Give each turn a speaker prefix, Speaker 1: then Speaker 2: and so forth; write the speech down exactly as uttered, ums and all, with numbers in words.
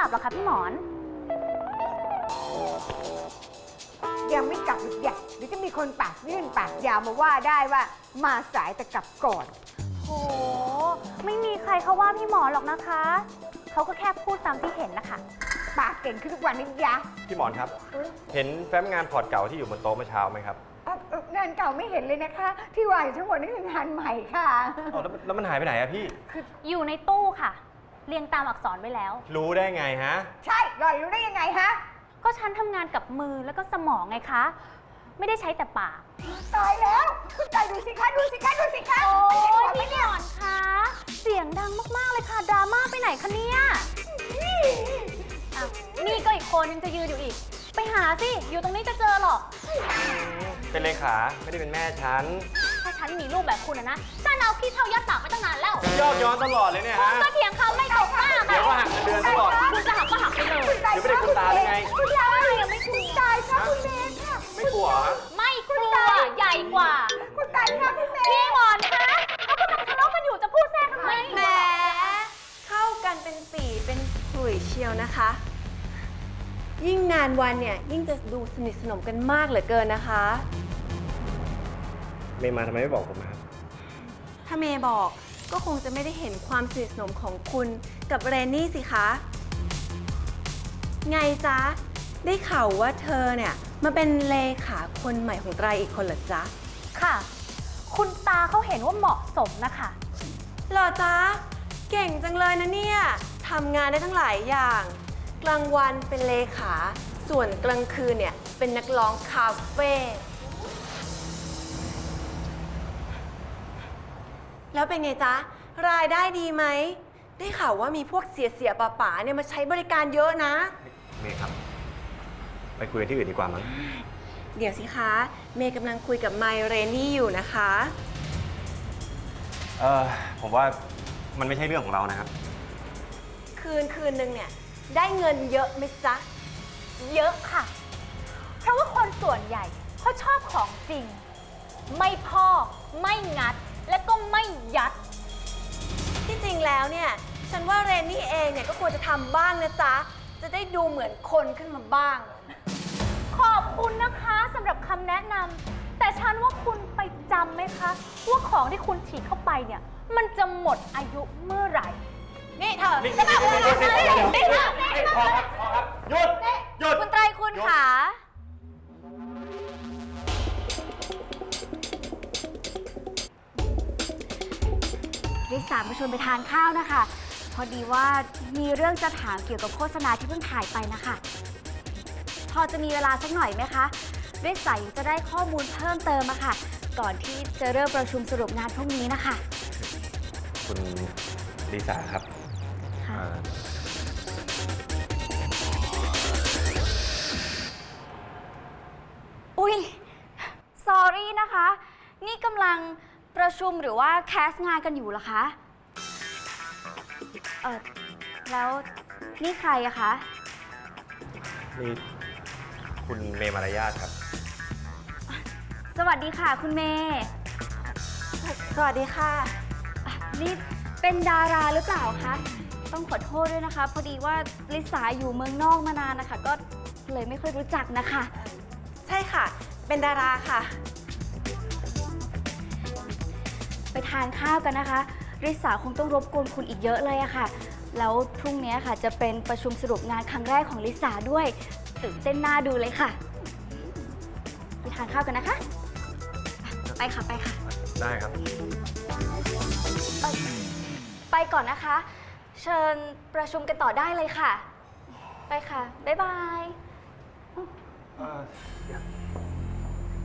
Speaker 1: ลับหรอคะพี่หมอน
Speaker 2: ยังไม่กลับหรือยังเดี๋ยวจะมีคนปากยื่นปากยาวมาว่าได้ว่ามาสายแต่กลับก่อน
Speaker 1: โหไม่มีใครเขาว่าพี่หมอนหรอกนะคะเขาก็แค่พูดตามที่เห็นนะคะ
Speaker 2: ปากเก่งขึ้นทุกวันนี้ยะ
Speaker 3: พี่หมอนครับ เห็นแฟ้มงานพอร์ตเก่าที่อยู่บนโต๊ะเมื่อเช้าไหมครับ
Speaker 2: งานเก่าไม่เห็นเลยนะคะ ที่วางอยู่ทั้งหมดนี่คืองานใหม่ค่ะ
Speaker 3: อ๋อแล้วแล้วมันหายไปไหนอะพี่
Speaker 1: อยู่ในตู้ค่ะเรียงตามอักษรไว้แล้ว
Speaker 3: รู้ได้ไงฮะ
Speaker 2: ใช่หล่อนรู้ได้ยังไงฮะ
Speaker 1: ก็ฉันทำงานกับมือแล้วก็สมองไงคะไม่ได้ใช้แต่ปาก
Speaker 2: ตายแล้วคุณตายดูสิคะดูสิคะดูสิคะ
Speaker 1: โอ้ยพี่หมอนคะเสียงดังมากๆเลยค่ะดราม่าไปไหนคะเนี่ยนี่ก็อีกคนยังจะยืนอยู่อีกไปหาสิอยู่ตรงนี้จะเจอหรอก
Speaker 3: เป็นเลขาไม่ได้เป็นแม่ฉัน
Speaker 1: ถ้าฉันมีลูกแบบคุณนะฉันเอาพี่เท่ายัดปากไปตั้งนานแล้ว
Speaker 3: ยอดย้อนตลอดเลยเนี่ยฮะ
Speaker 1: ก็เถียงคำไม่ตกมาก
Speaker 3: เดี๋ยวว่าหักเงินเดือนตลอด
Speaker 1: คุณจะหักก็หักไปเลย
Speaker 3: เดี๋ยวไม่ได้คุณตาเลยไง
Speaker 2: คุณตายังไม่คุณตายค่ะคุณเมย์ค่ะ
Speaker 3: ไม่กลัว
Speaker 1: ไม่กลัวใหญ่กว่า
Speaker 2: คุณตายค่ะพี่เมย์
Speaker 1: พี่หมอนคะเขากำลังทะเลาะกันอยู่จะพูดแทรกทำไม
Speaker 4: แหมเข้ากันเป็นปีเป็นขลุ่ยเชียวนะคะยิ่งนานวันเนี่ยยิ่งจะดูสนิทสนมกันมากเหลือเกินนะคะ
Speaker 3: เมย์มาทำไมไม่บอกผมครับ
Speaker 4: ถ้าเมย์บอกก็คงจะไม่ได้เห็นความสนิทสนมของคุณกับเรนนี่สิคะไงจ๊ะได้ข่าวว่าเธอเนี่ยมาเป็นเลขาคนใหม่ของไตรอีกคนเหรอจ๊ะ
Speaker 1: ค่ะคุณตาเขาเห็นว่าเหมาะสมนะคะ
Speaker 4: เหรอจ๊ะเก่งจังเลยนะเนี่ยทำงานได้ทั้งหลายอย่างกลางวันเป็นเลขาส่วนกลางคืนเนี่ยเป็นนักร้องคาเฟ่แล้วเป็นไงจ๊ะรายได้ดีไหมได้ข่าวว่ามีพวกเสียเสียป่าป๋าเนี่ยมาใช้บริการเยอะนะ
Speaker 3: เมย์ครับไปคุยกันที่อื่นดีกว่ามั้ง
Speaker 4: เดี๋ยวสิคะเมย์กำลังคุยกับไมเรนี่อยู่นะคะ
Speaker 3: เออผมว่ามันไม่ใช่เรื่องของเรานะครับ
Speaker 4: คืนคืนนึงเนี่ยได้เงินเยอะไหมจ๊ะ
Speaker 1: เยอะค่ะเพราะว่าคนส่วนใหญ่เขาชอบของจริงไม่พอกไม่งัดและก็ไม่ยัด
Speaker 4: ที่จริงแล้วเนี่ยฉันว่าเรนนี่เองเนี่ยก็ควรจะทำบ้างนะจ๊ะจะได้ดูเหมือนคนขึ้นมาบ้าง
Speaker 1: ขอบคุณนะคะสำหรับคำแนะนำแต่ฉันว่าคุณไปจำไหมคะว่าของที่คุณฉีดเข้าไปเนี่ยมันจะหมดอายุเมื่อไหร่
Speaker 4: นี่เธอจะแบบอะไร
Speaker 3: นี่ค่ะพอครับพอครับหยุดหยุด
Speaker 1: คุณไตรคุณขาริสามาชวนไปทานข้าวนะคะพอดีว่ามีเรื่องจะถามเกี่ยวกับโฆษณาที่เพิ่งถ่ายไปนะคะพอจะมีเวลาสักหน่อยไหมคะริสาจะได้ข้อมูลเพิ่มเติมอะค่ะก่อนที่จะเริ่มประชุมสรุปงานพรุ่งนี้นะคะ
Speaker 3: คุณลิสาครับ
Speaker 1: อุ๊ย สอรี่นะคะ นี่กำลังประชุมหรือว่าแคสงานกันอยู่เหรอคะเออแล้วนี่ใครอะคะ
Speaker 3: นี่คุณเมย์มารยาทครับ
Speaker 1: สวัสดีค่ะคุณเมย์
Speaker 4: สวัสดีค่ะ
Speaker 1: นี่เป็นดาราหรือเปล่าคะต้องขอโทษด้วยนะคะพอดีว่าลิสาอยู่เมืองนอกมานานนะคะก็เลยไม่ค่อยรู้จักนะคะ
Speaker 4: ใช่ค่ะเป็นดาราค่ะ
Speaker 1: ไปทานข้าวกันนะคะริสาคงต้องรบกวนคุณอีกเยอะเลยอะค่ะแล้วพรุ่งนี้ค่ะจะเป็นประชุมสรุปงานครั้งแรกของลิสาด้วยตื่นเต้นน่าดูเลยค่ะไปทานข้าวกันนะคะไปค่ะไปค่ะ
Speaker 3: ได้ครับ
Speaker 1: ไปก่อนนะคะเชิญประชุมกันต่อได้เลยค่ะไปค่ะบ๊ายบาย